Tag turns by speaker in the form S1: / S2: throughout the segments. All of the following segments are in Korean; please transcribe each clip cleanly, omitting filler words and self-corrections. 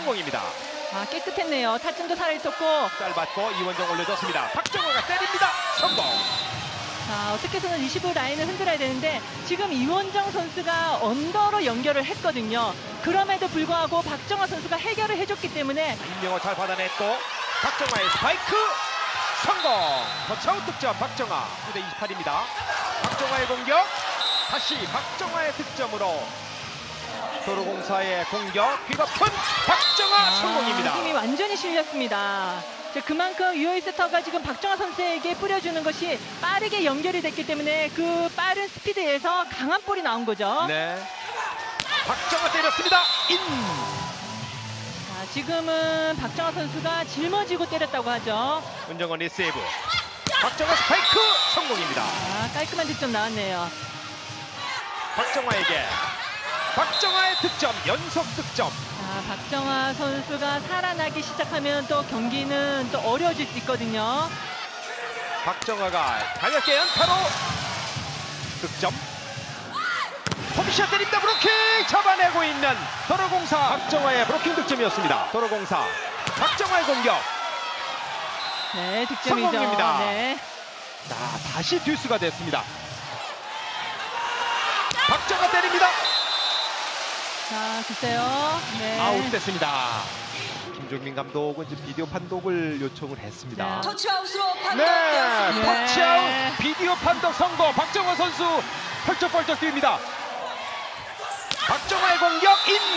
S1: 성공입니다.
S2: 아, 깨끗했네요. 타점도 살아있었고.
S1: 짧았고 이원정 올려줬습니다. 박정화가 때립니다. 성공.
S2: 자, 어떻게 해서는 리시브 라인을 흔들어야 되는데 지금 이원정 선수가 언더로 연결을 했거든요. 그럼에도 불구하고 박정화 선수가 해결을 해줬기 때문에
S1: 임명호 잘 받아냈고 박정화의 스파이크 성공. 터치아웃 득점 박정화. 9대28입니다. 박정화의 공격. 다시 박정화의 득점으로 도로공사의 공격. 휘거픈 박정화 성공입니다.
S2: 힘이 완전히 실렸습니다. 그만큼 유효이 세터가 지금 박정화 선수에게 뿌려주는 것이 빠르게 연결이 됐기 때문에 그 빠른 스피드에서 강한 볼이 나온 거죠.
S1: 네. 박정화 때렸습니다. 인.
S2: 자, 지금은 박정화 선수가 짊어지고 때렸다고 하죠.
S1: 은정원 리세이브. 박정화 스파이크 성공입니다.
S2: 아, 깔끔한 득점 나왔네요.
S1: 박정화에게 박정화의 득점, 연속 득점.
S2: 자, 박정화 선수가 살아나기 시작하면 또 경기는 또 어려워질 수 있거든요.
S1: 박정화가 가볍게 연타로 득점. 홈샷 때립니다. 브로킹 잡아내고 있는 도로공사. 박정화의 브로킹 득점이었습니다. 도로공사 박정화의 공격.
S2: 네, 득점이죠.
S1: 성공입니다.
S2: 네.
S1: 자, 다시 듀스가 됐습니다. 박정화 때립니다.
S2: 자, 글쎄요. 네.
S1: 아웃됐습니다. 김종민 감독은 지금 비디오 판독을 요청을 했습니다.
S2: 네.
S3: 터치아웃으로
S1: 네,
S3: 판독되었습니다.
S1: 터치아웃 비디오 판독 성공. 박정화 선수 펄쩍펄쩍 뛰입니다. 박정화의 공격 인.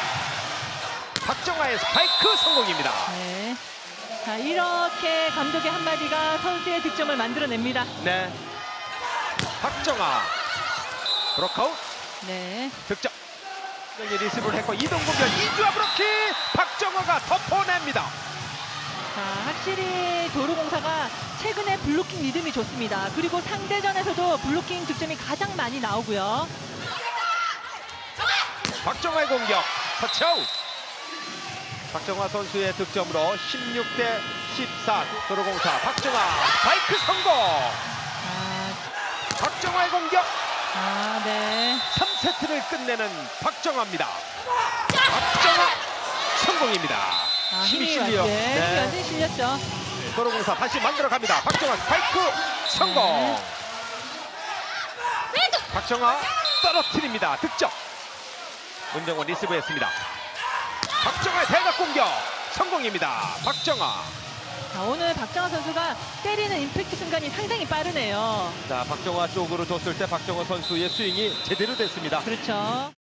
S1: 박정화의 스파이크 성공입니다.
S2: 네. 자, 이렇게 감독의 한마디가 선수의 득점을 만들어냅니다.
S1: 네. 박정화 브로크아웃
S2: 네.
S1: 득점. 리시브를 했고 이동공격 이주아 브로킹. 박정화가 덮어냅니다.
S2: 자, 확실히 도로공사가 최근에 블로킹 리듬이 좋습니다. 그리고 상대전에서도 블로킹 득점이 가장 많이 나오고요.
S1: 박정화의 공격 터치아웃. 박정화 선수의 득점으로 16대14 도로공사. 박정화 스파이크 성공.
S2: 아,
S1: 박정화의 공격.
S2: 네.
S1: 3세트를 끝내는 박정화입니다. 박정화 성공입니다.
S2: 아,
S1: 힘이
S2: 힘이
S1: 실려.
S2: 힘이 완전히 실렸죠.
S1: 도로공사 다시 만들어갑니다. 박정화 스파이크 성공. 박정화 떨어뜨립니다. 득점. 문정원 리시브했습니다. 박정화의 대각 공격 성공입니다. 박정화.
S2: 자, 오늘 박정화 선수가 때리는 임팩트 순간이 상당히 빠르네요.
S1: 자, 박정화 쪽으로 줬을 때 박정화 선수의 스윙이 제대로 됐습니다.
S2: 그렇죠.